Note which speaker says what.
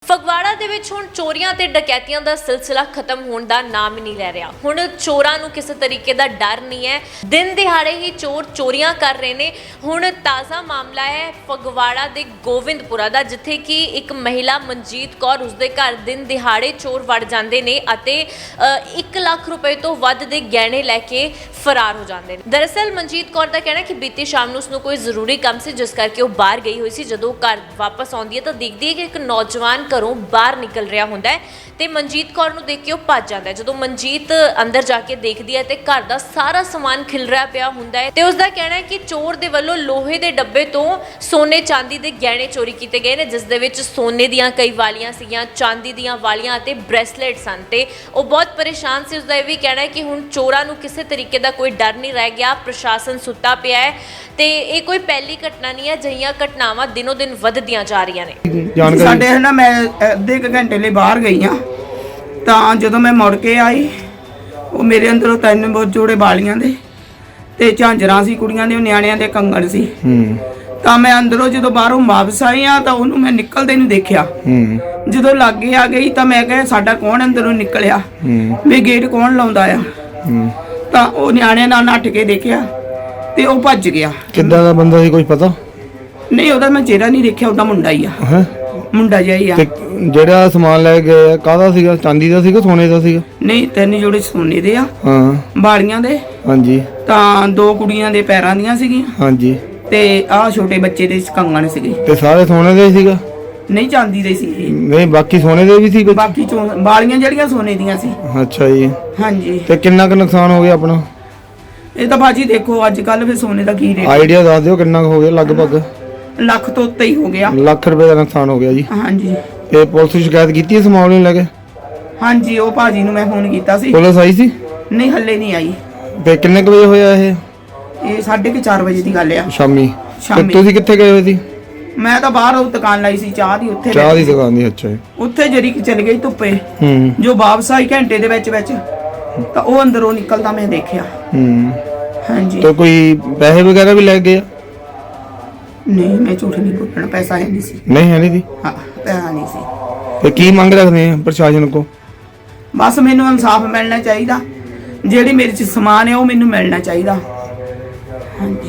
Speaker 1: ਫਗਵਾੜਾ ਦੇ ਵਿੱਚ ਹੁਣ ਚੋਰੀਆਂ ਤੇ ਡਕੈਤੀਆਂ ਦਾ ਸਿਲਸਿਲਾ ਖਤਮ ਹੋਣ ਦਾ ਨਾਮ ਹੀ ਨਹੀਂ ਲੈ ਰਿਹਾ। ਹੁਣ ਚੋਰਾਂ ਨੂੰ ਕਿਸੇ ਤਰੀਕੇ ਦਾ ਡਰ ਨਹੀਂ ਹੈ। ਦਿਨ ਦਿਹਾੜੇ ਹੀ ਚੋਰ ਚੋਰੀਆਂ ਕਰ ਰਹੇ ਨੇ। ਹੁਣ ਤਾਜ਼ਾ ਮਾਮਲਾ ਹੈ ਫਗਵਾੜਾ ਦੇ ਗੋਵਿੰਦਪੁਰਾ ਦਾ, ਜਿੱਥੇ ਕਿ ਇੱਕ ਮਹਿਲਾ ਮਨਜੀਤ ਕੌਰ, ਉਸਦੇ ਘਰ ਦਿਨ ਦਿਹਾੜੇ ਚੋਰ ਵੜ ਜਾਂਦੇ ਨੇ ਅਤੇ 1 ਲੱਖ ਰੁਪਏ ਤੋਂ ਵੱਧ ਦੇ ਗਹਿਣੇ ਲੈ ਕੇ ਫਰਾਰ ਹੋ ਜਾਂਦੇ ਨੇ। ਦਰਅਸਲ ਮਨਜੀਤ ਕੌਰ ਦਾ ਕਹਿਣਾ ਕਿ ਬੀਤੀ ਸ਼ਾਮ ਨੂੰ ਉਸਨੂੰ ਕੋਈ ਜ਼ਰੂਰੀ ਕੰਮ ਸੀ, ਜਿਸ ਕਰਕੇ ਉਹ ਬਾਹਰ ਗਈ ਹੋਈ ਸੀ। ਜਦੋਂ ਘਰ ਵਾਪਸ ਆਉਂਦੀ ਹੈ ਤਾਂ ਦੇਖਦੀ ਹੈ ਕਿ ਇੱਕ ਨੌਜਵਾਨ ਘਰੋਂ ਬਾਹਰ ਨਿਕਲ ਰਿਹਾ ਹੁੰਦਾ ਹੈ ਤੇ ਮਨਜੀਤ ਕੌਰ ਨੂੰ ਦੇਖ ਕੇ ਉਹ ਭੱਜ ਜਾਂਦਾ ਹੈ। ਜਦੋਂ ਮਨਜੀਤ ਅੰਦਰ ਜਾ ਕੇ ਦੇਖਦੀ ਹੈ ਤੇ ਘਰ ਦਾ ਸਾਰਾ ਸਮਾਨ ਖਿਲਰਿਆ ਪਿਆ ਹੁੰਦਾ ਹੈ ਤੇ ਉਸਦਾ ਕਹਿਣਾ ਹੈ ਕਿ ਚੋਰ ਦੇ ਵੱਲੋਂ ਲੋਹੇ ਦੇ ਡੱਬੇ ਤੋਂ ਸੋਨੇ ਚਾਂਦੀ ਦੇ ਗਹਿਣੇ ਚੋਰੀ ਕੀਤੇ ਗਏ ਨੇ, ਜਿਸ ਦੇ ਵਿੱਚ ਸੋਨੇ ਦੀਆਂ ਕਈ ਵਾਲੀਆਂ ਸੀਗੀਆਂ, ਚਾਂਦੀ ਦੀਆਂ ਵਾਲੀਆਂ ਅਤੇ ਬ੍ਰੈਸਲੇਟ ਸਨ ਤੇ ਉਹ ਬਹੁਤ ਪਰੇਸ਼ਾਨ ਸੀ। ਉਸਦਾ ਇਹ ਵੀ ਕਹਿਣਾ ਹੈ ਕਿ ਹੁਣ ਚੋਰਾਂ ਨੂੰ ਕਿਸੇ ਤਰੀਕੇ ਦਾ ਕੋਈ ਡਰ ਨਹੀਂ ਰਹਿ ਗਿਆ। ਪ੍ਰਸ਼ਾਸਨ ਸੁੱਤਾ ਪਿਆ ਹੈ ਤੇ ਇਹ ਕੋਈ ਪਹਿਲੀ ਘਟਨਾ ਨਹੀਂ ਹੈ। ਅਜਿਹੀਆਂ ਘਟਨਾਵਾਂ ਦਿਨੋਂ ਦਿਨ ਵੱਧਦੀਆਂ ਜਾ ਰਹੀਆਂ ਨੇ।
Speaker 2: ਸਾਡੇ ਹੈ ਨਾ, ਮੈਂ ਅੱਧੇ ਕੁ ਘੰਟੇ ਲਈ ਬਾਹਰ ਗਈ ਹਾਂ ਤਾਂ ਜਦੋਂ ਮੈਂ ਮੁੜ ਕੇ ਆਈ, ਉਹ ਮੇਰੇ ਅੰਦਰੋਂ 3 ਜੋੜੇ ਬਾਲੀਆਂ ਦੇ ਤੇ ਝਾਂਜਰਾਂ ਸੀ, ਕੁੜੀਆਂ ਦੇ ਨਿਆਣਿਆਂ ਦੇ ਕੰਗਣ ਸੀ। ਤਾਂ ਮੈਂ ਅੰਦਰੋਂ ਜਦੋਂ ਬਾਹਰੋਂ ਵਾਪਸ ਆਈ ਆ ਤਾਂ ਉਹਨੂੰ ਮੈਂ ਨਿਕਲਦੇ ਨੂੰ ਦੇਖਿਆ। ਜਦੋਂ ਲਾਗੇ ਆ ਗਈ ਤਾਂ ਮੈਂ ਕਿਹਾ ਸਾਡਾ ਕੌਣ ਅੰਦਰੋਂ ਨਿਕਲਿਆ, ਵੀ ਗੇਟ ਕੌਣ ਲਾਉਂਦਾ ਆ। ਤਾਂ ਉਹ ਨਿਆਣਿਆਂ ਨਾਲ ਨੱਠ ਕੇ ਦੇਖਿਆ ਤੇ ਉਹ ਭੱਜ ਗਿਆ।
Speaker 3: ਕਿੱਦਾਂ ਦਾ ਬੰਦਾ ਸੀ, ਕੁਝ ਪਤਾ
Speaker 2: ਨਹੀਂ, ਉਹਦਾ ਮੈਂ ਚਿਹਰਾ ਨਹੀਂ ਦੇਖਿਆ, ਉਹਦਾ ਮੁੰਡਾ ਹੀ ਆ। ਮੁੰਡਾ ਜਿਹਾ ਹੀ ਆ।
Speaker 3: ਤੇ ਜਿਹੜਾ ਸਮਾਨ ਲੈ ਗਏ ਕਾਹਦਾ ਸੀਗਾ, ਚਾਂਦੀ ਦਾ ਸੀਗਾ, ਸੋਨੇ ਦਾ ਸੀਗਾ?
Speaker 2: ਨਹੀਂ, 3 ਜੋੜੇ ਸੋਨੇ ਦੇ ਆ, ਬਾਲੀਆਂ ਦੇ।
Speaker 3: ਹਾਂਜੀ।
Speaker 2: ਤਾਂ 2 ਕੁੜੀਆਂ ਦੇ ਪੈਰਾਂ ਦੀਆਂ ਸੀਗੀਆਂ।
Speaker 3: ਹਾਂਜੀ।
Speaker 2: ਤੇ ਆਹ ਛੋਟੇ ਬੱਚੇ ਦੇ ਕੰਗਣ ਸੀਗੇ।
Speaker 3: ਤੇ ਸਾਰੇ ਸੋਨੇ ਦੇ ਸੀਗਾ?
Speaker 2: ਨਹੀਂ, ਚਾਂਦੀ ਦੇ ਸੀ।
Speaker 3: ਨਹੀਂ, ਬਾਕੀ ਸੋਨੇ ਦੇ ਵੀ ਸੀ ਕੁਝ?
Speaker 2: ਬਾਕੀ ਬਾਲੀਆਂ ਜਿਹੜੀਆਂ ਸੋਨੇ ਦੀਆਂ ਸੀ।
Speaker 3: ਅੱਛਾ ਜੀ।
Speaker 2: ਹਾਂਜੀ।
Speaker 3: ਤੇ ਕਿੰਨਾ ਕੁ ਨੁਕਸਾਨ ਹੋ ਗਿਆ ਆਪਣਾ?
Speaker 2: ਇਹ ਤਾਂ ਬਾਜੀ ਦੇਖੋ ਅੱਜ ਕੱਲ ਫਿਰ ਸੋਨੇ ਦਾ ਕੀ ਰੇਟ।
Speaker 3: ਆਈਡੀਆ ਦੱਸ ਦਿਓ ਕਿੰਨਾ ਹੋ ਗਿਆ ਲਗਭਗ?
Speaker 2: ਲੱਖ ਤੋਂ ਉੱਤੇ ਹੀ ਹੋ ਗਿਆ।
Speaker 3: ਲੱਖ ਰੁਪਏ ਦਾ ਨੁਕਸਾਨ ਹੋ ਗਿਆ ਜੀ।
Speaker 2: ਹਾਂਜੀ।
Speaker 3: ਤੇ ਪੁਲਿਸ ਨੂੰ ਸ਼ਿਕਾਇਤ ਕੀਤੀ ਇਸ ਮਾਮਲੇ ਨੂੰ ਲੈ ਕੇ?
Speaker 2: ਹਾਂਜੀ, ਉਹ ਭਾਜੀ ਨੂੰ ਮੈਂ ਫੋਨ ਕੀਤਾ ਸੀ।
Speaker 3: ਪੁਲਿਸ ਆਈ ਸੀ?
Speaker 2: ਨਹੀਂ, ਹੱਲੇ ਨਹੀਂ ਆਈ।
Speaker 3: ਤੇ ਕਿੰਨੇ ਕੁ ਵਜੇ ਹੋਇਆ ਇਹ?
Speaker 2: ਇਹ 4:30 ਵਜੇ ਦੀ ਗੱਲ ਆ।
Speaker 3: ਸ਼ਾਮੀ। ਤੇ ਤੁਸੀਂ ਕਿੱਥੇ ਗਏ ਹੋਏ ਸੀ?
Speaker 2: ਮੈਂ ਤਾਂ ਬਾਹਰ ਉਹ ਦੁਕਾਨ ਲਾਈ ਸੀ ਚਾਹ ਦੀ, ਉੱਥੇ
Speaker 3: ਚਾਹ ਦੀ ਦੁਕਾਨ ਦੀ। ਅੱਛਾ ਜੀ।
Speaker 2: ਉੱਥੇ ਜਰੀ ਚਲ ਗਈ ਧੁੱਪੇ। ਜੋ ਵਾਪਸ ਆਈ ਘੰਟੇ ਦੇ ਵਿੱਚ ਤਾਂ ਉਹ ਅੰਦਰੋਂ ਨਿਕਲਦਾ ਮੈਂ ਦੇਖਿਆ। ਹਾਂਜੀ।
Speaker 3: ਤੇ ਕੋਈ ਪੈਸੇ ਵਗੈਰਾ ਵੀ ਲੈ ਗਏ?
Speaker 2: ਨਹੀਂ, ਮੈਂ ਝੂਠ ਨਹੀਂ ਬੋਲਣਾ, ਪੈਸਾ ਹੈ ਨਹੀਂ ਸੀ।
Speaker 3: ਨਹੀਂ ਹੈ ਨਹੀਂ ਸੀ?
Speaker 2: ਹਾਂ, ਪੈਸਾ ਨਹੀਂ ਸੀ।
Speaker 3: ਤੇ ਕੀ ਮੰਗ ਰੱਖਦੇ ਆ ਪ੍ਰਸ਼ਾਸਨ ਕੋ?
Speaker 2: ਬਸ ਮੈਨੂੰ ਇਨਸਾਫ ਮਿਲਣਾ ਚਾਹੀਦਾ। ਜਿਹੜੀ ਮੇਰੇ ਚ ਸਮਾਨ ਹੈ ਉਹ ਮੈਨੂੰ ਮਿਲਣਾ ਚਾਹੀਦਾ। ਹਾਂਜੀ।